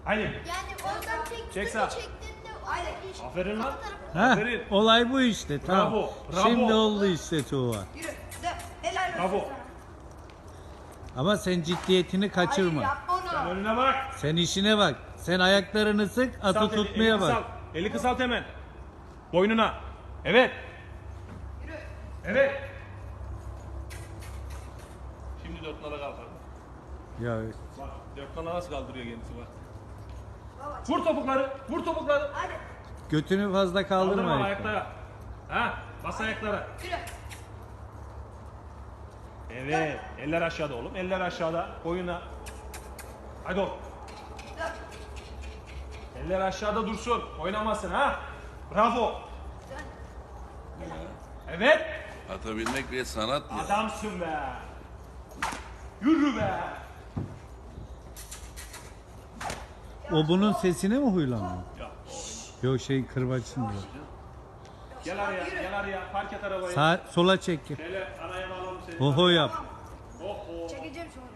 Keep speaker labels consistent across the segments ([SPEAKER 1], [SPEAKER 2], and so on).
[SPEAKER 1] Haydi.
[SPEAKER 2] Yani oradan
[SPEAKER 1] Çek sağ.
[SPEAKER 2] çektiğinde oradaki iş.
[SPEAKER 1] Aferin lan.
[SPEAKER 3] Ha,
[SPEAKER 1] Aferin.
[SPEAKER 3] olay bu işte. Tamam.
[SPEAKER 1] Bravo, bravo.
[SPEAKER 3] Şimdi oldu işte Tuğba.
[SPEAKER 4] Yürü. De. Helal olsun
[SPEAKER 1] Bravo.
[SPEAKER 4] sana.
[SPEAKER 3] Ama sen ciddiyetini
[SPEAKER 4] Hayır
[SPEAKER 3] kaçırma.
[SPEAKER 4] yapma
[SPEAKER 1] Sen
[SPEAKER 4] onu.
[SPEAKER 1] önüne bak.
[SPEAKER 3] Sen işine bak. Sen ayaklarını sık, atı
[SPEAKER 1] Kısalt eli,
[SPEAKER 3] tutmaya
[SPEAKER 1] eli
[SPEAKER 3] bak.
[SPEAKER 1] kısalt. Eli kısalt hemen. Boynuna. Evet.
[SPEAKER 4] Yürü.
[SPEAKER 1] Evet. Şimdi 4 nala kalkar.
[SPEAKER 3] Ya
[SPEAKER 1] Bak 4 nala nasıl kaldırıyor kendisi bak.
[SPEAKER 4] Baba.
[SPEAKER 1] Vur topukları. Vur topukları.
[SPEAKER 4] Hadi.
[SPEAKER 3] götünü fazla kaldırma.
[SPEAKER 1] Kaldırma
[SPEAKER 3] ayakları.
[SPEAKER 1] ayaklara. Ha? Bas ayaklara.
[SPEAKER 4] Yürü.
[SPEAKER 1] Evet. Eller aşağıda oğlum. Eller aşağıda. Boyuna. Hadi oğlum.
[SPEAKER 4] Dön.
[SPEAKER 1] Eller aşağıda dursun. Oynamasın ha. Bravo.
[SPEAKER 4] Dön.
[SPEAKER 1] Evet.
[SPEAKER 5] Atabilmek bir sanat ya.
[SPEAKER 1] Adamsın be. Yürü be.
[SPEAKER 3] O bunun sesine mi huylanıyor?
[SPEAKER 1] Ya,
[SPEAKER 3] Yok şey kırbaçın diyor.
[SPEAKER 1] gel araya. Gel araya. Park et arabayı.
[SPEAKER 3] Sola çek.
[SPEAKER 1] Şöyle araya bağlalım seni.
[SPEAKER 3] Oho yap.
[SPEAKER 1] Oho.
[SPEAKER 4] Çekeceğim sonra.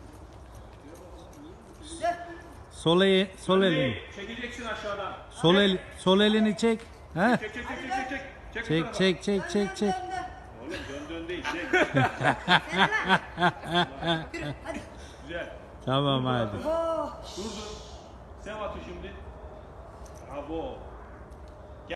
[SPEAKER 4] Dön.
[SPEAKER 3] Sol elini.
[SPEAKER 1] Değil, çekeceksin aşağıdan.
[SPEAKER 3] Sol elini çek. Ha?
[SPEAKER 1] Çek çek çek çek çek. Çek bu
[SPEAKER 3] Çek
[SPEAKER 1] tarafa.
[SPEAKER 3] çek çek çek çek.
[SPEAKER 4] Dön, dön, dön.
[SPEAKER 1] Oğlum dön değil. Çek.
[SPEAKER 4] Yürü. Hadi.
[SPEAKER 1] Güzel.
[SPEAKER 3] Tamam hadi.
[SPEAKER 4] Oh.
[SPEAKER 1] Durdur. Sen atı şimdi. Bravo.